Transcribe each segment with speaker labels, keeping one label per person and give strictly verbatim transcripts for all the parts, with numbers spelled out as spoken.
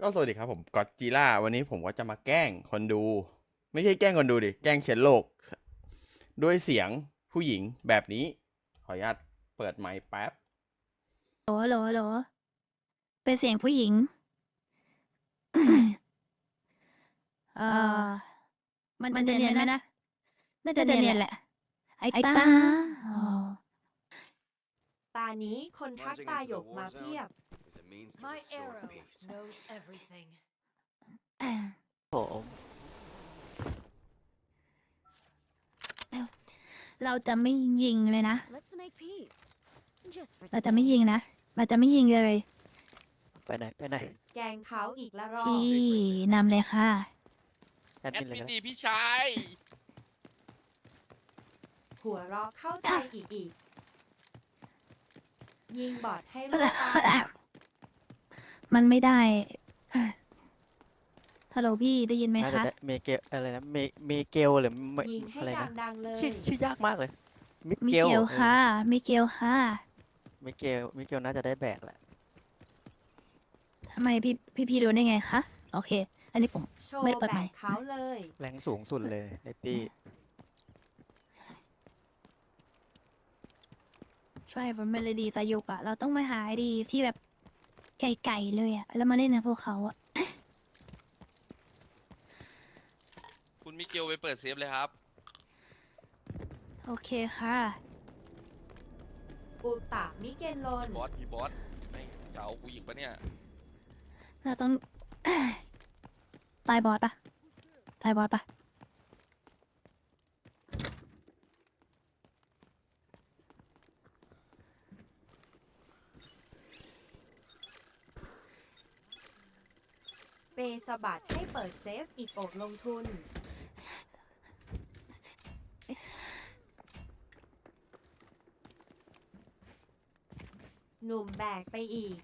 Speaker 1: ก็สวัสดีครับผมก็อดจิล่าวันนี้ผมก็จะมาแกล้งคนดู ไม่ใช่แกล้งคนดูดิแกล้งเชื้อโรคด้วยเสียงผู้หญิงแบบนี้ ขออนุญาตเปิดไมค์แป๊บ
Speaker 2: โหลโหลโหลเป็นเสียงผู้หญิง เออมันมันจะเนียนไหมนะ น่าจะเนียนแหละ ไอ้ตาอ๋อ
Speaker 3: ตานี้คนทักตาหยกมาเพียบ
Speaker 4: My arrow knows everything.
Speaker 2: อ่า
Speaker 5: ผม
Speaker 2: เราจะไม่ยิงเลยนะ
Speaker 4: Let's make peace. Just for
Speaker 2: เราจะไม่ยิงนะ เราจะไม่ยิงเลย
Speaker 5: ไปไหนไปไหน
Speaker 3: แกงเขาอีกละรอบ
Speaker 2: พี่นำเลยค่ะ
Speaker 5: แอด
Speaker 6: แอ
Speaker 5: มิ
Speaker 6: ด
Speaker 5: นเลย
Speaker 6: มิน
Speaker 5: ก็
Speaker 6: ดี
Speaker 5: ได้
Speaker 6: พี่ชาย
Speaker 3: หัวเราะเข้าใจอีกอีก ยิงบอดให้ลูกตา
Speaker 2: มันไม่ได้ ฮัลโหลพี่ได้ยินไหม
Speaker 5: น่าจะ
Speaker 2: คะ
Speaker 5: ได้เมเกลอะไรนะเมเมเกลหรือเม
Speaker 3: ยิงให้
Speaker 5: อะไรนะ
Speaker 3: ดังๆเลย
Speaker 5: ชื่อชื่อยากมากเลยมิ
Speaker 2: มิ
Speaker 5: เกล
Speaker 2: เกลค่ะ มิเกลค่ะ
Speaker 5: เมเกลมิเกลน่าจะได้แบกแหละ
Speaker 2: ทำไมพี่พี่พี่รู้ได้ไงคะ โอเค อันนี้ผม
Speaker 3: โชว์
Speaker 2: ไม่ได้เปิด
Speaker 3: แบ
Speaker 2: ไม
Speaker 3: บ
Speaker 2: ค์
Speaker 3: เขาเลย
Speaker 5: แรงสูงสุดเลยในตี
Speaker 2: ใช่ผมเมโลดีตายุกอะเราต้องมาหาไอดีที่แบบไก่ๆเลยอะแล้วมาเล่นนะพวกเขาอะ
Speaker 6: คุณมิเกลไปเปิดเซฟเลยครับ
Speaker 2: โอเคค่ะ
Speaker 3: อุตะมิเกนลน
Speaker 6: บอสพี่บอสไม่จะเอากูอีกปะเนี่ย
Speaker 2: เราต้อง ตายบอสปะตายบอสปะ
Speaker 3: เปสะบัดให้เปิดเซฟอีกโอกลงทุน หนุ่มแบกไปอีก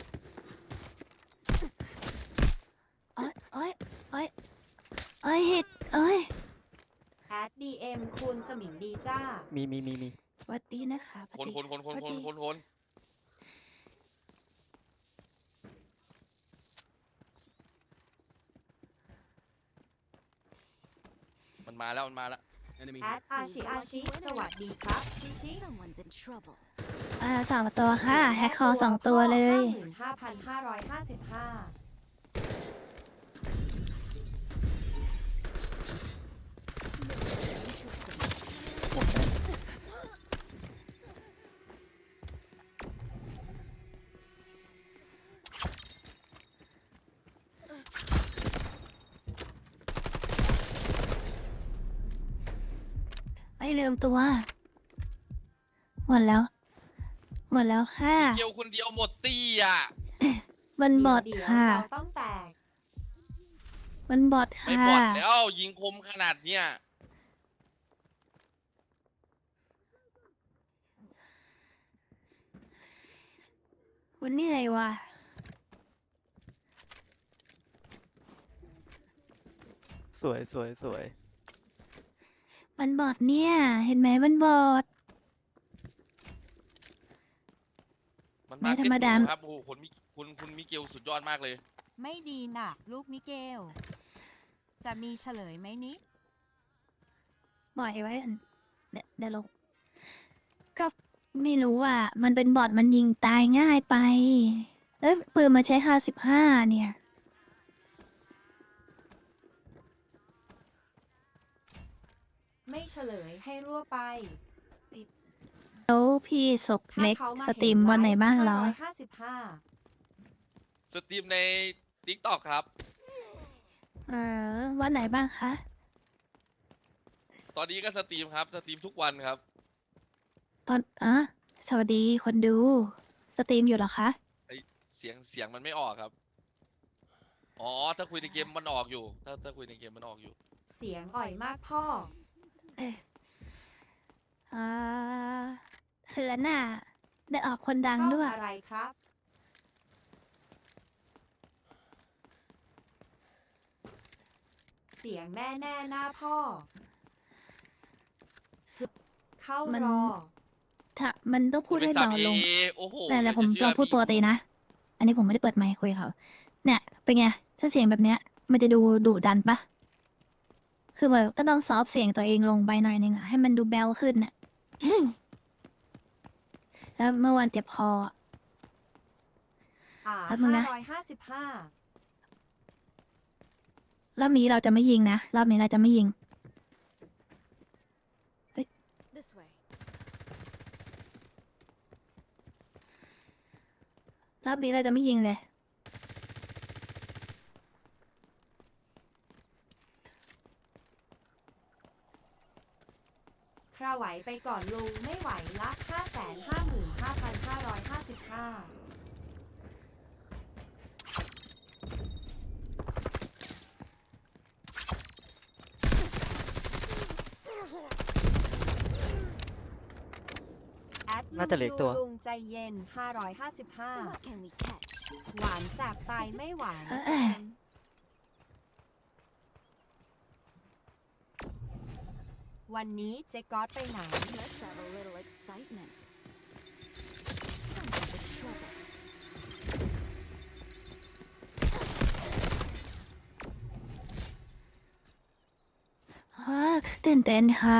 Speaker 2: เอ้ยเอ้ยเอ้ยเอ้ยเห็ดเอ้ย
Speaker 3: แอดดีเอ็มคูณสมิงดีจ้า
Speaker 5: มีมีมีมี
Speaker 2: สวัสดีนะคะส
Speaker 6: ค
Speaker 2: วัน สดี
Speaker 6: คนคนคน
Speaker 2: ส
Speaker 6: ค
Speaker 2: วัน สดี
Speaker 6: คนคนมันมาแล้วมันมาแล้ว
Speaker 3: แอดอาชิอาชิสวัสดีครับชิชิ
Speaker 4: Someone's in trouble.
Speaker 2: อ่าสองตัวค่ะ แฮกคอสองตัวเลย
Speaker 3: ห้าพันห้าร้อยห้าสิบห้า
Speaker 2: ไม่ลืมตัว หมดแล้ว หมดแล้วค่ะ
Speaker 6: เกลคนเดียวหมดตีอ่ะ
Speaker 2: มันบอด
Speaker 3: เดี๋ยว
Speaker 2: ค่ะ
Speaker 3: เราต้องแตก
Speaker 2: มันบอด
Speaker 6: ไม่
Speaker 2: ค่ะ
Speaker 6: บอดแล้วยิงคมขนาดเนี้ย
Speaker 2: วันนี้ไงวะ
Speaker 5: สวยสวยสวย
Speaker 2: มันบอดเนี่ย เห็นไหมมันบอด
Speaker 6: มัน
Speaker 2: ไม่
Speaker 6: มา
Speaker 2: ธร
Speaker 6: เซ็ต
Speaker 2: รมดา
Speaker 6: หนูครับโอ้โหคนมิคุณคุณมิเกลสุดยอดมากเลย
Speaker 3: ไม่ดีนะลูกมิเกล จะมีเฉลยไหมนิ
Speaker 2: ปล่อยไว้อันเดี๋ยวเดี๋ยวลงก็ไม่รู้อ่ะ มันเป็นบอทมันยิงตายง่ายไปแล้วปืนมาใช้ค่าสิบห้าเนี่ย
Speaker 3: ไม่เฉลยให้รั่วไป
Speaker 2: แล้วพี่ศก
Speaker 3: ถ้า
Speaker 2: เล็ก
Speaker 3: เขามา
Speaker 2: สตรีมวันไหนบ้างเหรอ
Speaker 3: ห้าสิบห้า
Speaker 6: สตรีมใน ทิกตอก ครับ
Speaker 2: เออ วันไหนบ้างคะ
Speaker 6: ตอนนี้ก็สตรีมครับ สตรีมทุกวันครับ
Speaker 2: ตอนอ่ะสวัสดีคนดู สตรีมอยู่เหรอคะ
Speaker 6: ไอเสียงเสียงมันไม่ออกครับ อ๋อ ถ้าคุยในเกมมันออกอยู่ ถ้าถ้าคุยในเกมมันออกอยู่
Speaker 3: เสียงอ่อยมากพ่อ
Speaker 2: เอ๊ะอ่าเสือน่ะได้ออกคนดัง
Speaker 3: ช่อง
Speaker 2: ด้วย
Speaker 3: อะไรครับ เสียงแม่แน่หน้าพ่อ เข้า
Speaker 2: มัน
Speaker 3: รอ
Speaker 2: ถ้ามันต้องพูดให้
Speaker 6: คุณไป
Speaker 2: เบา
Speaker 6: สับ
Speaker 2: ลง
Speaker 6: เอโอ้โห
Speaker 2: แต่แต่
Speaker 6: อยาก
Speaker 2: ผม
Speaker 6: จะเชื่
Speaker 2: ล
Speaker 6: อ
Speaker 2: องพูด
Speaker 6: พี่
Speaker 2: ปกตินะ อันนี้ผมไม่ได้เปิดไมค์คุยกับเขาเนี่ยเป็นไง ถ้าเสียงแบบเนี้ย มันจะดูดุดันปะคือแบบก็ต้องซอฟต์เสียงตัวเองลงไปหน่อยนึงอะให้มันดูแบลขึ้นน่ะ แล้วเมื่อวันเจ็บคออะ
Speaker 3: อ่า
Speaker 2: แป๊บนึง
Speaker 3: ห้า
Speaker 2: นะ
Speaker 3: ร้อยห้าสิบห้าร
Speaker 2: อบนี้เราจะไม่ยิงนะ รอบนี้เราจะไม่ยิง
Speaker 4: This way.
Speaker 2: รอบนี้เราจะไม่ยิงเลย
Speaker 3: คราไหวไปก่อนลุงไม่ไหวละห้าแสนห้าหมื่นห้าพันห้าร้อยห้าสิบห้าแอด
Speaker 5: น่าจะเหลืออกตัว
Speaker 3: ลุงใจเย็นห้าร้อยห้าสิบห้า
Speaker 4: What can we catch?
Speaker 3: หวานแสบตายไม่หวาน
Speaker 2: เอ้ย
Speaker 3: วันนี้เจ๊ก๊อตไปไหน
Speaker 4: Let's have a little excitement. Some of the trouble.
Speaker 2: เฮ้อตื่นเต้นค่ะ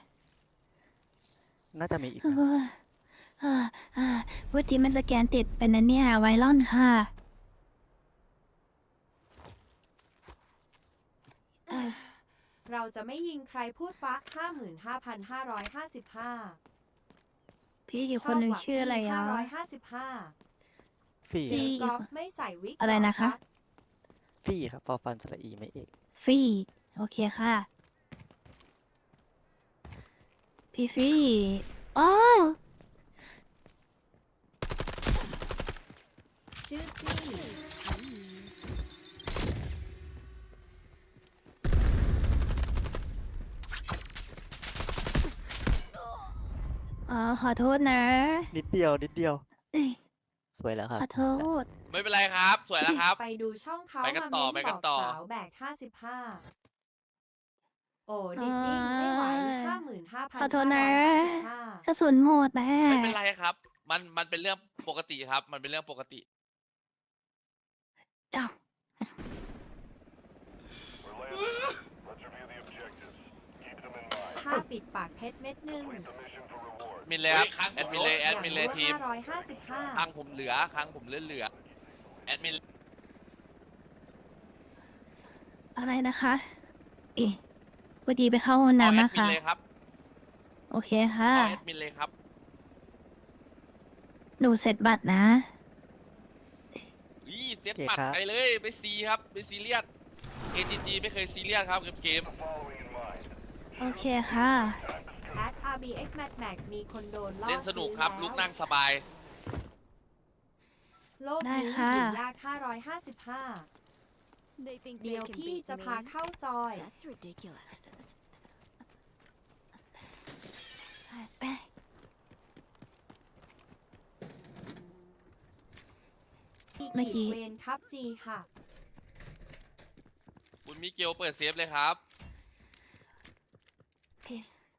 Speaker 5: น่าจะมีอีก
Speaker 2: เอ
Speaker 5: นะ
Speaker 2: อเออเออว่าจีมันสแกนติดเป็นนันเนี่ยไวรอนค่ะเออ
Speaker 3: เราจะไม่ยิงใครพูดฟักห้าหมื่นห้าพันห้าร้อยห้าสิบห้า
Speaker 2: พี่อีกคนหนึ่งชื่ออะไร
Speaker 3: ห้า
Speaker 2: อ่ะ
Speaker 3: ร้อยห้าสิบห้า
Speaker 5: ฟี่
Speaker 2: จี้
Speaker 3: เจอกอล์ฟไม่ใส่วิก
Speaker 2: อะไร
Speaker 3: ห
Speaker 2: นะคะ
Speaker 5: ฟี่ครับพอฟันสระอีไม่เอก
Speaker 2: ฟี่โอเคค่ะ พี่ฟี่อ๋อ
Speaker 3: ชื่อซี่
Speaker 2: อ๋อขอโทษนะ
Speaker 5: นิดเดียวนิดเดียว
Speaker 2: เอ้ย
Speaker 5: สวยแล้วครับ
Speaker 2: ขอโทษ
Speaker 6: ไม่เป็นไรครับ สวยแล้วครับ
Speaker 3: ไปดูช่องเขา
Speaker 6: ไปกัน
Speaker 3: มา
Speaker 6: ต่อ
Speaker 3: เม้น
Speaker 6: ไป
Speaker 3: บ
Speaker 6: กั
Speaker 3: อน ก
Speaker 6: ต่อ
Speaker 3: สาวแบกห้าสิบห้าโอ้ดิดดิ้งไม่ไหวห้าหมื่นห้าพัน
Speaker 2: ขอโทษนะ
Speaker 3: ห้าก
Speaker 2: ระสุนหมดแม่
Speaker 6: ไม่เป็นไรครับ มันมันเป็นเรื่องปกติครับ มันเป็นเรื่องปกติ
Speaker 2: เจ้า
Speaker 3: ถ้าปิดปากเพชรเม็ดหนึ่ง
Speaker 6: มินเลยครับ แอดมินเลย แอดมินเลยทีม
Speaker 3: ห้าร้อยห้าสิบห้า
Speaker 6: ครั้งผมเหลือครั้งผมเหลือเหลือ แอดมิน
Speaker 2: อะไรนะคะ เอ๊ะพอดีไปเข้าห้อง
Speaker 6: เอา
Speaker 2: น้ำ
Speaker 6: แอ
Speaker 2: นะ
Speaker 6: ดมิน
Speaker 2: คะ
Speaker 6: เลยครับ
Speaker 2: โอเคค่ะ
Speaker 6: เอาแอดมินเลยครับ
Speaker 2: หนูเสร็จบัตรนะ
Speaker 6: อีเซต
Speaker 5: โอเค
Speaker 6: ปัด
Speaker 5: ครับ
Speaker 6: ไปเลย ไปซีครับไปซีเรียส เอ จี จี ไม่เคยซีเรียสครับกับเกม
Speaker 2: โอเคค่ะ
Speaker 3: แอด อาร์ บี เอ็กซ์ Mad Max มีคนโดนล่อ
Speaker 6: เล่นสนุกครับ
Speaker 3: ซื้อ
Speaker 6: ลุก
Speaker 3: แล้ว
Speaker 6: นั่งสบาย
Speaker 3: โลก
Speaker 2: ได้
Speaker 3: นี้
Speaker 2: ค่ะ
Speaker 3: อยู่ยากห้าร้อยห้าสิบห้า
Speaker 4: They think
Speaker 3: เดี๋
Speaker 4: they
Speaker 3: ยว
Speaker 4: can
Speaker 3: พี่
Speaker 4: beat
Speaker 3: จะพา
Speaker 4: me.
Speaker 3: เข้าซอย
Speaker 4: That's ridiculous.
Speaker 2: ไป เมื่อกี้
Speaker 3: เวนครับจีค่ะ
Speaker 6: คุณมิเกลเปิดเซฟเลยครับ
Speaker 2: โอเค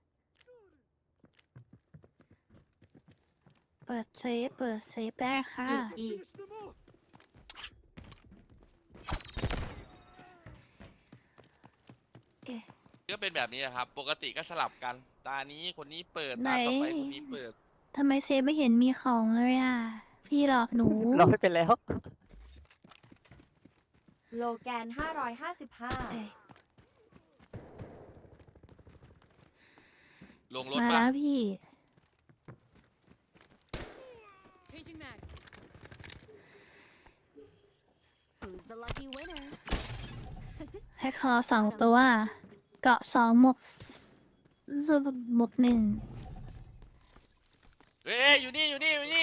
Speaker 2: เปิดเซฟ เปิดเซฟได้ค่ะ
Speaker 3: อีกอีก
Speaker 2: เอ๊ะ
Speaker 6: ก็เป็นแบบนี้นะครับ ปกติก็สลับกัน ตานี้คนนี้เปิด
Speaker 2: ไหน
Speaker 6: ตาต่อไปคนนี้เปิด
Speaker 2: ทำไมเซฟไม่เห็นมีของเลยอ่ะ พี่หลอกหนู
Speaker 5: เราไม่เป็นแล้ว
Speaker 3: โลแกนห้าร้อยห้าสิบห้า
Speaker 2: เอ้ย
Speaker 6: ลงรถ
Speaker 2: มา
Speaker 6: ปะ
Speaker 2: แล้วพี่
Speaker 4: Changing mags. Who's the lucky winner?
Speaker 2: แฮกคอสองตัว เกาะสองหมวกสหมวกหนึ่ง
Speaker 6: เอ้ยอยู่นี่อยู่นี่อยู่นี่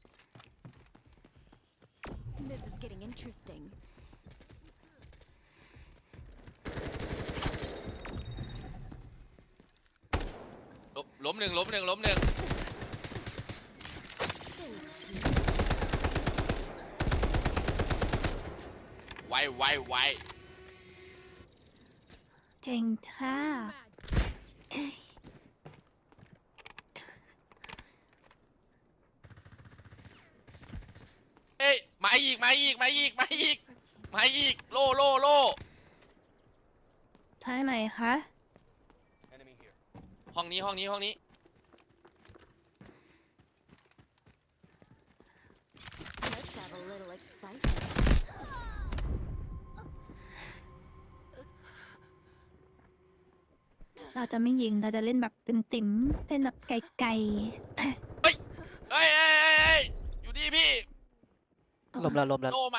Speaker 4: This is getting interesting.
Speaker 6: ล้มล้มหนึ่งล้มหนึ่งล้มหนึ่ง
Speaker 4: So cheap.
Speaker 6: ไวไวไว
Speaker 2: เจ๋งค่ะเอ้ย
Speaker 6: เอ้ยมาอีกมาอีกมาอีกมาอีกมาอีกโลโลโล
Speaker 2: ทางไหนคะ
Speaker 6: ห้องนี้ห้องนี้ห้องนี้
Speaker 4: Let's have a little excitement.
Speaker 2: เราจะไม่ยิง เราจะเล่นแบบติ่มๆเล่นแบบไกล
Speaker 6: เฮ้ยเฮ้ยเฮ้ยเฮ้ยเฮ้ยอยู่นี่พี่
Speaker 2: ๆ
Speaker 5: ลมแล้วลมแล้ว
Speaker 6: โลมา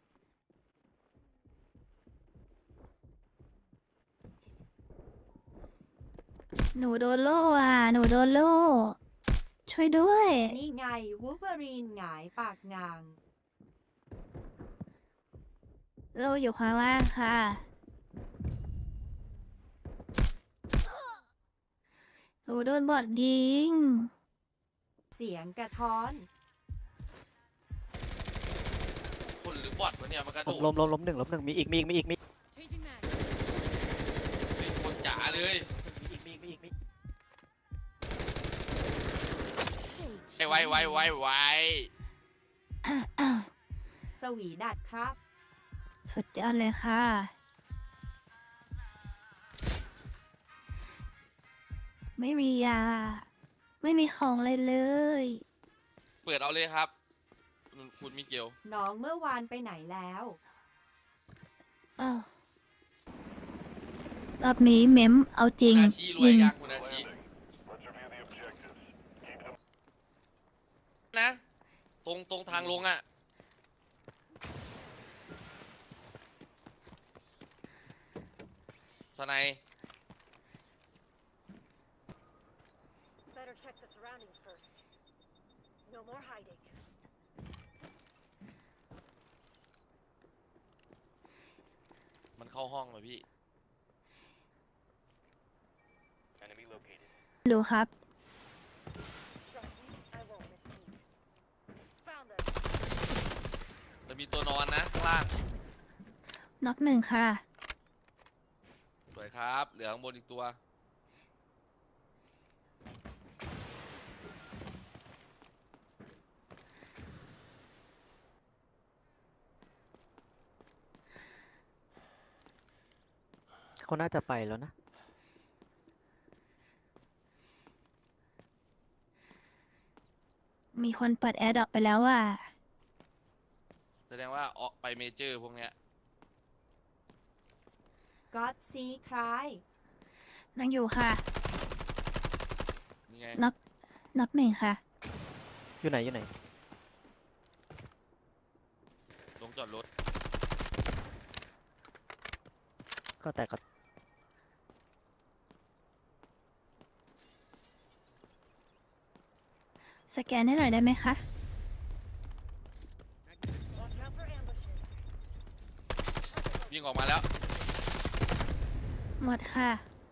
Speaker 2: หนูโดนโล่อ่ะ หนูโดนโล่ ช่วยด้วย
Speaker 3: นี่ไงวูเวอรีนหงายปากงาง
Speaker 2: โล่อยู่ข้างล่างค่ะ หนูโดนบอดยิง
Speaker 3: เสียงกระท้อน
Speaker 6: คนหรือบอทวะเนี่ยมันกระโด
Speaker 5: ลม
Speaker 6: ด
Speaker 5: ลมลมลมหนึ่งลมหนึ่งมีอีกมีอีกมีอีกมี
Speaker 4: Changing mags.
Speaker 6: เป็นคนจ๋าเลย
Speaker 5: อีกมีอีกมีอีกมี
Speaker 4: Say
Speaker 6: ไวไวไวไวไว
Speaker 3: สวีดัดครับ
Speaker 2: สุดยอดเลยค่ะ ไม่มียา ไม่มีของเลยเลย
Speaker 6: เปิดเอาเลยครับคุณคุณมิเกล
Speaker 3: น้องเมื่อวานไปไหนแล้ว
Speaker 2: อ้าวรอบนี้เมมเอาจริง
Speaker 6: คุณอาชีรวย
Speaker 2: ยิง
Speaker 6: ยังคุณอาชีนะ ตรงตรงทางลงอ่ะ สไนด์
Speaker 7: Better check the surroundings first. No more hiding.
Speaker 6: มันเข้าห้องเลยพี่
Speaker 2: ดูครับ
Speaker 7: Trust me, I won't miss a beat. Found them.
Speaker 6: จะมีตัวนอนนะข้างล่าง
Speaker 2: น็อกหนึ่งค่ะ
Speaker 6: สวยครับ เหลือข้างบนอีกตัว
Speaker 5: เขาน่าจะไปแล้วนะ
Speaker 2: มีคนเปิดแอร์ดรอปไปแล้วอ่ะ
Speaker 6: แสดงว่าออกไปเมเจอร์พวกเนี้ย
Speaker 3: ก็อดซีคลาย
Speaker 2: นั่งอยู่ค่ะ
Speaker 6: นี่ไง
Speaker 2: น็อกน็อกหนึ่งค่ะ
Speaker 5: อยู่ไหนอยู่ไหน
Speaker 6: ลงจอดรถ
Speaker 5: ก็แต่ก็
Speaker 2: สแกนให้หน่อยได้ไหมคะ
Speaker 7: Watch out for ambushes.
Speaker 6: วิ่งออกมาแล้ว
Speaker 2: หมดค่ะ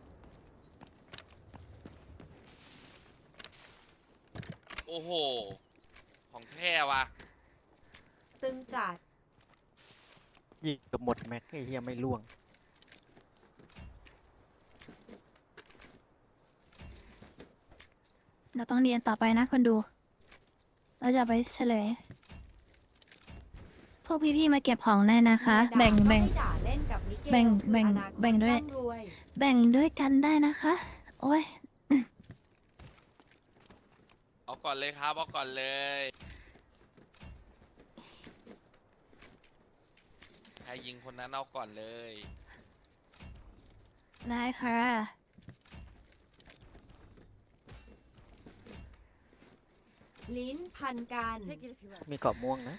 Speaker 6: โอ้โห ของแท้ว่ะ
Speaker 3: ตึงจัด
Speaker 5: ยิงเกับหมดแม็กไอ้เหี้ยไม่ล่วง
Speaker 2: เราต้องเรียนต่อไปนะคนดู เราจะไปเฉลย พวกพี่ๆมาเก็บของได้นะคะ
Speaker 3: เมียด่า
Speaker 2: แบ่ง
Speaker 3: ก็
Speaker 2: แบ่ง
Speaker 3: ไม่ด่าเล่นกับมิเกล
Speaker 2: แบ่ง
Speaker 3: คือ
Speaker 2: แบ่ง
Speaker 3: อนาคต
Speaker 2: แบ่งด้วย
Speaker 3: ร่ำรวย
Speaker 2: แบ่งด้วยกันได้นะคะ โอ้ย
Speaker 6: เอาก่อนเลยครับ เอาก่อนเลย ใครยิงคนนั้นเอาก่อนเลย
Speaker 2: ได้ค่ะ
Speaker 3: ลิ้นพันกัน
Speaker 4: Take it if you like.
Speaker 5: มีเกาะม่วงนะ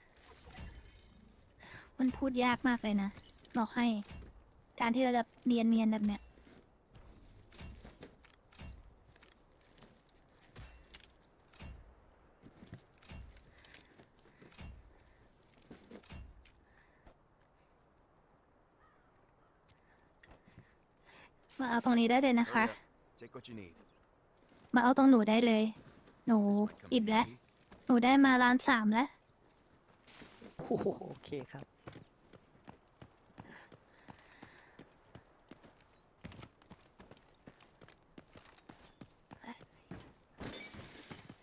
Speaker 2: มันพูดยากมากเลยนะ บอกให้ การที่เราจะเนียนเนียนๆแบบเนี้ย มาเอาตรงนี้ได้เลยนะคะ
Speaker 8: Take what you need.
Speaker 2: มาเอาตรงหนูได้เลย หนู
Speaker 8: Come
Speaker 2: อิ่มแล้ว
Speaker 8: easy.
Speaker 2: หนูได้มาล้านสามแล้ว
Speaker 5: โอ้โหโอเคครับ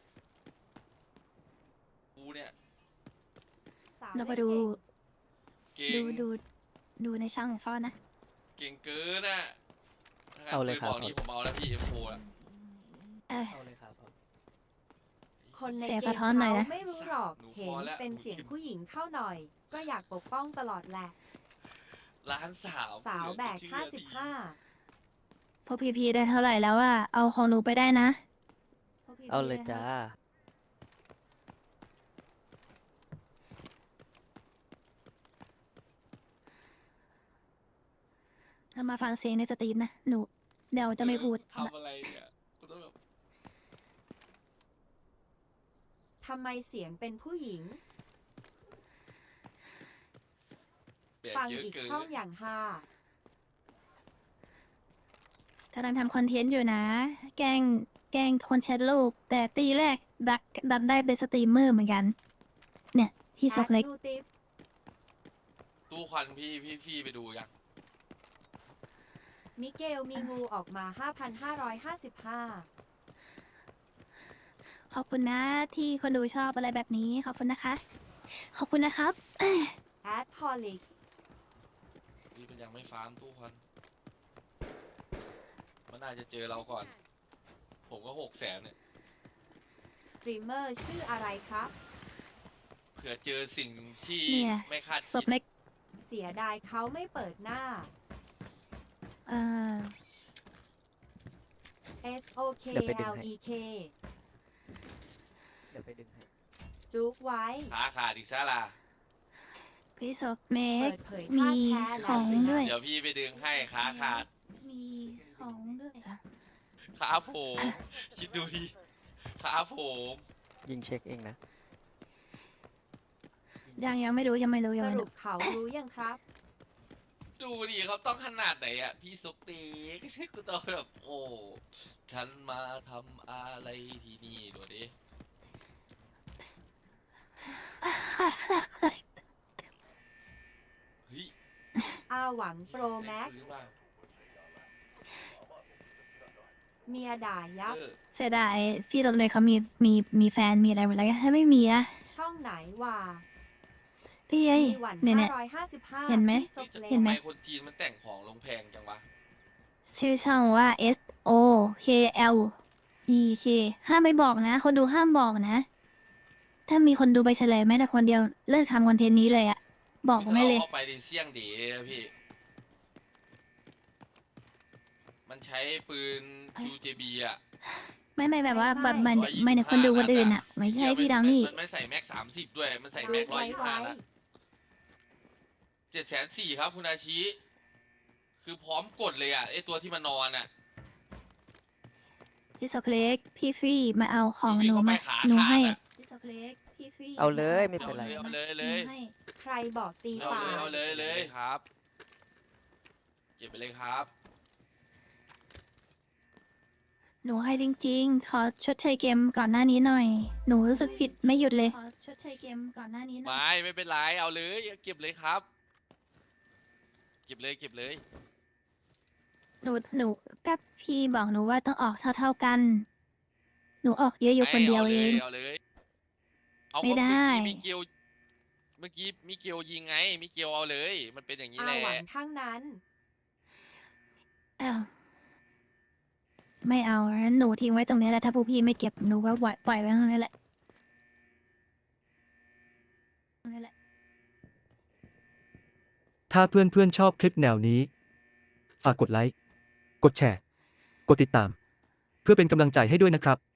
Speaker 6: กูเนี่ย
Speaker 3: สาว
Speaker 2: เรามา
Speaker 3: เล่น
Speaker 2: ดู
Speaker 3: เก่ง
Speaker 6: เก่
Speaker 2: ดู
Speaker 6: ง
Speaker 2: ดูดูในช่องของเขานะ
Speaker 6: เก่งเกินอ่ะถ้างั้น
Speaker 5: เอาเลย
Speaker 6: ปืน
Speaker 5: ครับ
Speaker 6: บอกนี้ผมเอาแล้วพี่ เอ็ม โฟ อ่ะ
Speaker 2: เออ
Speaker 5: เอาเลยครับเอา
Speaker 3: คนใน
Speaker 2: เสีย
Speaker 3: เก
Speaker 2: สะ
Speaker 3: ม
Speaker 2: ท้อนหน่อย
Speaker 3: เขา
Speaker 2: นะ
Speaker 3: ไม่รู้หรอก
Speaker 6: หนู
Speaker 3: เห็
Speaker 6: พ
Speaker 3: น
Speaker 6: อแล้ว
Speaker 3: เป็น
Speaker 6: หนู
Speaker 3: เสียง
Speaker 6: คิด
Speaker 3: ผู้หญิงเข้าหน่อย ก็อยากปกป้องตลอดแหละ
Speaker 6: ร้านสาว
Speaker 3: สาวแบก
Speaker 6: เหลือ
Speaker 3: ห้า
Speaker 6: จะ
Speaker 3: สิ
Speaker 6: เชื่
Speaker 3: บ
Speaker 6: อ
Speaker 3: ห้า
Speaker 2: พวกพีพีได้เท่าไหร่แล้วว่าเอาของหนูไปได้นะ
Speaker 5: เอาเลยจ้า
Speaker 2: ถ้ามาฟังเสียงในสตรีมนะ หนู เดี๋ยวจะไม่พูด
Speaker 6: ทำอะไรเนี่ยกูต้องแบบ
Speaker 3: ทำไมเสียงเป็นผู้หญิง
Speaker 6: แบก
Speaker 3: ฟัง
Speaker 6: เยอะ
Speaker 3: อีก
Speaker 6: เกิน
Speaker 3: ช่องอย่างฮา
Speaker 2: ถ้าทำทำคอนเทนต์อยู่นะ แกล้งแกล้งคนแชทลูก แต่ตีแรกดักดันได้เป็นสตรีมเมอร์เหมือนกัน เนี่ย พี่ซกเล็ก
Speaker 3: แอดดูติป
Speaker 6: ตู้ควันพี่พี่ฟี่ไปดูยัง
Speaker 3: มิเกลมีงูออกมา ห้าพันห้าร้อยห้าสิบห้า
Speaker 2: ขอบคุณนะที่คนดูชอบอะไรแบบนี้ ขอบคุณนะคะ ขอบคุณนะครับ
Speaker 3: แอดพอลิก
Speaker 6: พี่มันยังไม่ฟาร์มตู้ควันมันน่าจะเจอเราก่อน ผมก็หกแสนเนี่ย
Speaker 3: สตรีมเมอร์ชื่ออะไรครับ
Speaker 6: เผื่อเจอสิ่งที่
Speaker 2: เนี่ย
Speaker 6: ไม่คาด
Speaker 2: ศ
Speaker 6: คิ
Speaker 2: พ
Speaker 6: ด
Speaker 2: เล็ก
Speaker 3: เสียดายเขาไม่เปิดหน้า
Speaker 2: เอ่อ
Speaker 3: S O K
Speaker 5: เดี๋ยวไปดึง
Speaker 3: L
Speaker 5: ให้
Speaker 3: E K
Speaker 5: เดี๋ยวไปดึงให้
Speaker 3: จุกไว้
Speaker 6: ขาขาดอีกซะล่ะ
Speaker 2: พี่ศพเม
Speaker 3: เปิ
Speaker 2: ก
Speaker 3: ดเผย
Speaker 2: มี
Speaker 3: ท่าแท้
Speaker 2: ข
Speaker 3: และ
Speaker 2: อง
Speaker 3: สินะ
Speaker 2: ด้วย
Speaker 6: เดี๋ยวพี่ไปดึงให้ขาขาด
Speaker 2: มีของด้วยค่ะ
Speaker 6: ขาผมคิดดูดิขาผม
Speaker 5: ยิงเช็คเองนะ
Speaker 2: ยังยังไม่รู้ยังไม่รู้ยัง
Speaker 3: ส
Speaker 2: ไม่
Speaker 3: รุ
Speaker 2: รู้
Speaker 3: ปเขารู้ยังครับ
Speaker 6: ดูดิเขาต้องขนาดไหนอ่ะ พี่ซุกตีก็ใช่กูต้องแบบ โอ้ฉันมาทำอะไรที่นี่ดูดิเฮ้ย
Speaker 3: อาหวังโปรแม็ก
Speaker 6: หรือเปล่า
Speaker 3: เมียด่ายับ
Speaker 6: เออ
Speaker 2: เสียดายพี่ตบเลยเขามีมีมีแฟนมีอะไรหมดแล้วถ้าไม่มีอะ
Speaker 3: ช่องไหนว่า
Speaker 2: พี่เอ้ย
Speaker 3: มีหวัน
Speaker 2: เนี่ยเนี่ย
Speaker 3: ห้าร้อยห้าสิบห้า
Speaker 2: เห็นไหม
Speaker 3: พี่ซกเล็ก
Speaker 2: เห็นไหม
Speaker 6: ทำไมคนจีนมันแต่งของลงแพงจังวะ
Speaker 2: ชื่อช่องว่า S O K L E K ห้ามไปบอกนะ คนดูห้ามบอกนะ ถ้ามีคนดูไปเฉลยแม้แต่คนเดียวเลิกทำคอนเทนต์นี้เลยอะบอกผมไม่เลย
Speaker 6: เข้าไปในเสี่ยงดีนะพี่ มันใช้ปืน คิว เจ บี อ่ะ
Speaker 2: ไม่ไม่แบบว่าแบบมัน
Speaker 6: ร้อยยี่สิบ
Speaker 2: ไม่ในคนดูคนอื่น
Speaker 6: ห้า
Speaker 2: อะไม่ใช่
Speaker 6: เหี้ย
Speaker 2: พี่
Speaker 6: น
Speaker 2: ดาวนี่
Speaker 6: มันไม่ใส่แม็กสามสิบด้วย มันใส่
Speaker 3: จุ
Speaker 6: แม็ก
Speaker 3: ก
Speaker 6: ร้อย
Speaker 3: ไว้
Speaker 6: ยี่สิบ
Speaker 3: ไว้
Speaker 6: ห้านัดเจ็ดแสนสี่ครับคุณอาชิ คือพร้อมกดเลยอ่ะไอตัวที่มันนอนอ่ะ
Speaker 2: พี่สกเล็กพี่ฟรีมาเอาของ
Speaker 6: พี่
Speaker 2: หนู
Speaker 6: ก็ไป
Speaker 2: มา
Speaker 6: ขา
Speaker 2: หนู
Speaker 6: ขาด
Speaker 2: ให้
Speaker 6: อะ
Speaker 2: พี่สกเล็กพี่ฟรี
Speaker 5: เอาเลยไม่
Speaker 6: เอา
Speaker 5: เป็นไร
Speaker 6: เลยเอาเลยเลย
Speaker 2: หนูให้
Speaker 3: ใครบอกตี
Speaker 6: เอา
Speaker 3: ปา
Speaker 6: เลย
Speaker 3: ก
Speaker 6: เอาเลยเลยครับ เก็บไปเลยครับ
Speaker 2: หนูให้จริงๆ ขอชดเชยเกมก่อนหน้านี้หน่อย หนูรู้สึกผิดไม่หยุดเลย ขอชดเชยเกมก่อนหน้านี้หน่อย
Speaker 6: ไม่ไม่เป็นไร เอาเลย เก็บเลยครับ เก็บเลยเก็บเลย
Speaker 2: หนูหนูกับพี่บอกหนูว่าต้องออกเท่าๆกัน หนูออกเยอะอยู่คนเดียวเอง
Speaker 6: เอาเลยเอาเลย
Speaker 2: ไม่ได้
Speaker 6: เมื่อกี้มิเกลเมื่อกี้มิเกลยิงไง มิเกลเอาเลย มันเป็นอย่างนี้
Speaker 3: อา
Speaker 6: แหละ
Speaker 3: หวังทั้งนั้น
Speaker 2: เอ้าไม่เอางั้นหนูทิ้งไว้ตรงนี้แหละถ้าพวกพี่ไม่เก็บหนูก็ปล่อยปล่อยไว้ตรงนี้แหละตรงนี้แหละ
Speaker 8: ถ้าเพื่อนๆชอบคลิปแนวนี้ ฝากกดไลค์ กดแชร์ กดติดตาม เพื่อเป็นกำลังใจให้ด้วยนะครับ